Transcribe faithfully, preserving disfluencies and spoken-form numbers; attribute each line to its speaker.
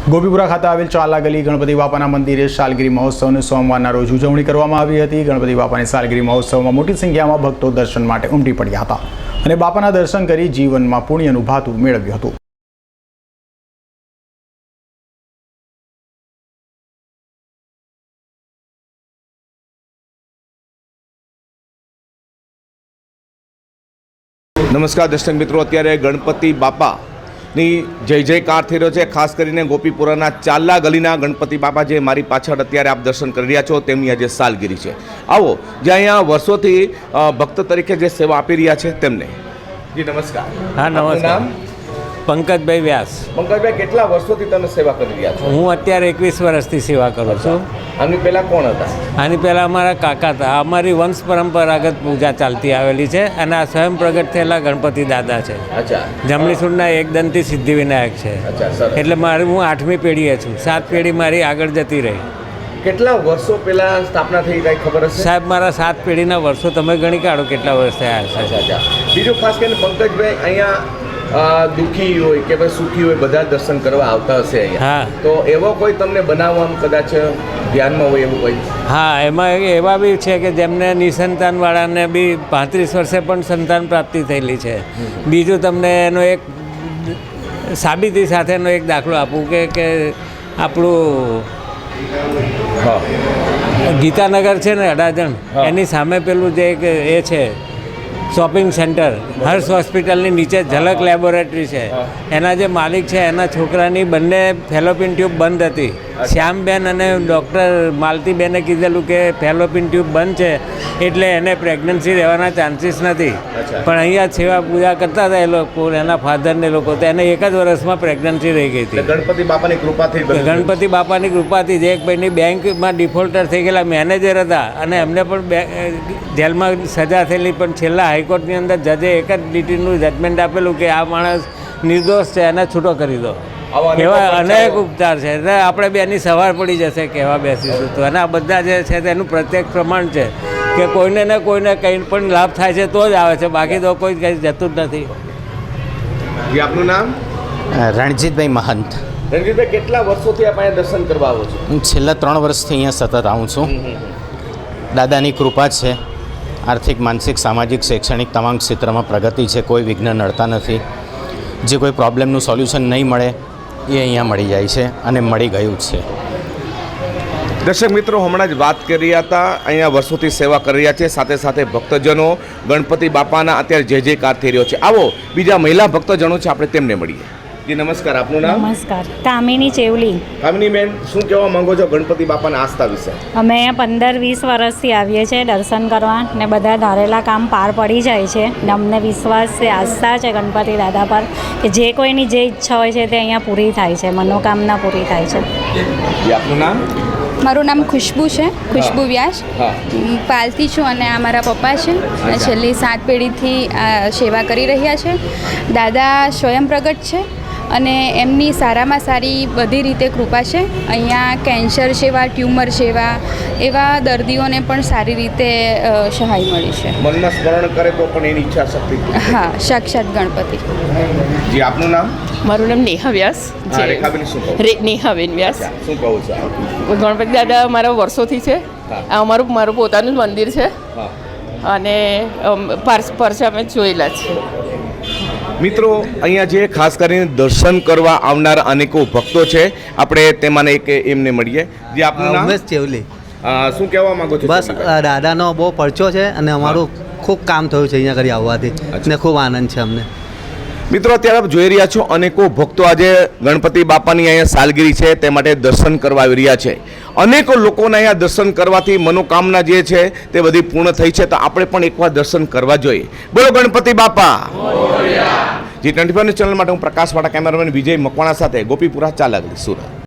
Speaker 1: ગોપીપુરા ખાતે આવેલ ચાલા ગલી ગણપતિ બાપાના મંદિરે સાલગીરી મહોત્સવની સોમવારના રોજ ઉજવણી કરવામાં આવી હતી। ગણપતિ બાપાની સાલગીરી મહોત્સવમાં મોટી સંખ્યામાં ભક્તો દર્શન માટે ઉમટી પડ્યા હતા અને બાપાના દર્શન કરી જીવનમાં પુણ્યનું ભાતું મેળવ્યું હતું।
Speaker 2: नमस्कार दर्शक मित्रों, अत्यारे गणपति बापा ની જય જયકાર થઈ રહ્યો છે। ખાસ કરીને ગોપીપુરાના ચાલા ગલીના ગણપતિ બાપા જે મારી પાછળ અત્યારે આપ દર્શન કરી રહ્યા છો તેમની આજે સાલગીરી છે। આવો જે અહીંયા વર્ષોથી ભક્ત તરીકે જે સેવા આપી રહ્યા છે તેમને। જી નમસ્કાર।
Speaker 3: હા નમસ્કાર। પંકજભાઈ વ્યાસ।
Speaker 2: પંકજભાઈ, કેટલા વર્ષોથી તમે સેવા કરી રહ્યા છો?
Speaker 3: હું અત્યારે એકવીસ વર્ષથી સેવા કરું છું।
Speaker 2: આની પહેલાં કોણ હતા?
Speaker 3: આની પહેલાં અમારા કાકા હતા। અમારી વંશ પરંપરાગત પૂજા ચાલતી આવેલી છે અને આ સ્વયં પ્રગટ થયેલા ગણપતિ દાદા છે।
Speaker 2: અચ્છા।
Speaker 3: જમણીસુરના એકદંતી સિદ્ધિવિનાયક છે।
Speaker 2: અચ્છા, સરસ।
Speaker 3: એટલે મારી હું આઠમી પેઢીએ છું। સાત પેઢી મારી આગળ જતી રહી।
Speaker 2: કેટલા વર્ષો પહેલા સ્થાપના થઈ કાંઈ ખબર હશે?
Speaker 3: સાહેબ, મારા સાત પેઢીના વર્ષો તમે ગણી કાઢો કેટલા વર્ષ થયા હશે।
Speaker 2: અચ્છા અચ્છા। બીજું ખાસ કરીને પંકજભાઈ, અહીંયા દુઃખી હોય કે ભાઈ સુખી હોય બધા દર્શન કરવા આવતા હશે અહીંયા।
Speaker 3: હા।
Speaker 2: તો એવો કોઈ તમને બનાવવામાં કદાચ ધ્યાનમાં હોય એવું કોઈ?
Speaker 3: હા, એમાં એવા બી છે કે જેમને નિસંતાનવાળાને બી પાંત્રીસ વર્ષે પણ સંતાન પ્રાપ્તિ થયેલી છે। બીજું તમને એનો એક સાબિતી સાથેનો એક દાખલો આપું કે કે આપણું ગીતાનગર છે ને અડાજણ, એની સામે પેલું જે એક એ છે શોપિંગ સેન્ટર, હર્ષ હોસ્પિટલની નીચે ઝલક લેબોરેટરી છે, એના જે માલિક છે એના છોકરાની બંને ફેલોપિન ટ્યુબ બંધ હતી। શ્યામબેન અને ડૉક્ટર માલતીબેને કીધેલું કે ફેલોપિન ટ્યુબ બંધ છે એટલે એને પ્રેગ્નન્સી રહેવાના ચાન્સીસ નથી, પણ અહીંયા સેવા પૂજા કરતા હતા એ લોકો, એના ફાધરને લોકો, તો એને એક જ વર્ષમાં પ્રેગ્નન્સી રહી ગઈ હતી।
Speaker 2: ગણપતિ બાપાની કૃપાથી
Speaker 3: ગણપતિ બાપાની કૃપાથી જે એક ભાઈની બેંકમાં ડિફોલ્ટર થઈ ગયેલા મેનેજર હતા અને એમને પણ જેલમાં સજા થયેલી, પણ છેલ્લા હાઈકોર્ટની અંદર જજે એક જ લીટીનું જજમેન્ટ આપેલું કે આ માણસ નિર્દોષ છે, એને છૂટો કરી દો। એવા અનેક ઉપચાર છે એટલે આપણે બેની સવાર પડી જશે કહેવા બેસીશું તો, અને આ બધા જે છે તેનું પ્રત્યક્ષ પ્રમાણ છે કે કોઈને ને કોઈને કંઈ પણ લાભ થાય છે તો જ આવે છે, બાકી તો કોઈ કંઈ જતું જ નથી।
Speaker 2: આપનું નામ?
Speaker 4: રણજીતભાઈ મહંત।
Speaker 2: રણજીતભાઈ, કેટલા વર્ષોથી આપ અહીંયા દર્શન કરવા આવો છો?
Speaker 4: હું છેલ્લા ત્રણ વર્ષથી અહીંયા સતત આવું છું। દાદાની કૃપા છે, આર્થિક, માનસિક, સામાજિક, શૈક્ષણિક તમામ ક્ષેત્રમાં પ્રગતિ છે, કોઈ વિઘ્ન નડતા નથી। જે કોઈ પ્રોબ્લેમનું સોલ્યુશન નહીં મળે એ અહીંયા મળી જાય છે અને મળી ગયું છે।
Speaker 2: દર્શક મિત્રો, હમણાં જ વાત કરી રહ્યા હતા, અહીંયા વર્ષોથી સેવા કરી રહ્યા છે, સાથે સાથે ભક્તજનો ગણપતિ બાપાના અત્યારે જય જયકાર થઈ રહ્યો છે। આવો બીજા મહિલા ભક્તજનો છે, આપણે તેમને મળીએ। જી નમસ્કાર। આપનું નામ?
Speaker 5: નમસ્કાર, કામિની ચેવલી।
Speaker 2: કામિની બેન, શું કહેવા માંગો છો ગણપતિ બાપાના આસ્થા વિશે?
Speaker 5: અમે અહીંયા પંદર વીસ વર્ષથી આવીએ છીએ દર્શન કરવા ને બધા ધારેલા કામ પાર પડી જાય છે ને અમને વિશ્વાસ છે, આસ્થા છે ગણપતિ દાદા પર કે જે કોઈની જે ઈચ્છા હોય છે તે અહીંયા પૂરી થાય છે, મનોકામના પૂરી થાય છે।
Speaker 2: જી આપનું નામ?
Speaker 6: મારું નામ ખુશ્બુ છે, ખુશ્બુ વ્યાસ। પાલથી છું અને આ મારા પપ્પા છે। છેલ્લી સાત પેઢીથી આ સેવા કરી રહ્યા છે। દાદા સ્વયં પ્રગટ છે અને એમની સારામાં સારી બધી રીતે કૃપા છે। અહીંયા કેન્સર સેવા, ટ્યુમર સેવા, એવા દર્દીઓને પણ સારી રીતે સહાય મળી છે।
Speaker 2: મનમાં સ્મરણ કરે તો પણ એની ઈચ્છા શક્તિ?
Speaker 6: હા, સાક્ષાત ગણપતિ।
Speaker 2: જી આપનું નામ?
Speaker 7: મારું નામ નેહા વ્યાસ છે।
Speaker 2: રેખાબેન શું કહો?
Speaker 7: રે નેહાબેન વ્યાસ।
Speaker 2: શું કહું છું?
Speaker 7: ગણપતિ દાદા મારા વર્ષોથી છે। આ અમારું મારું પોતાનું જ મંદિર છે અને પરસે અમે જોયેલા છે।
Speaker 2: મિત્રો, અહીંયા જે ખાસ કરીને દર્શન કરવા આવનાર અનેકો ભક્તો છે, આપણે તેમાંને એક એમને મળીએ। જે આપનું નામ?
Speaker 8: ઉમેશ ચેવલી।
Speaker 2: શું કહેવા માંગો છો?
Speaker 8: બસ દાદાનો બહુ પરચો છે અને અમારું ખૂબ કામ થયું છે અહીંયા કરી આવવાથી ને ખૂબ આનંદ છે અમને।
Speaker 2: મિત્રો, અત્યારે આપ જોઈ રહ્યા છો અનેકો ભક્તો આજે ગણપતિ બાપાની અહીંયા સાલગીરી છે તે માટે દર્શન કરવા આવી રહ્યા છે। અનેકો લોકોના અહીંયા દર્શન કરવાથી મનોકામના જે છે તે બધી પૂર્ણ થઈ છે, તો આપણે પણ એકવાર દર્શન કરવા જોઈએ। બોલો Ganpati Bappa. G twenty four news channel માટે હું પ્રકાશ વાળા, કેમેરામેન વિજય મકવાણા સાથે ગોપીપુરા ચાલા ગલી, સુરત।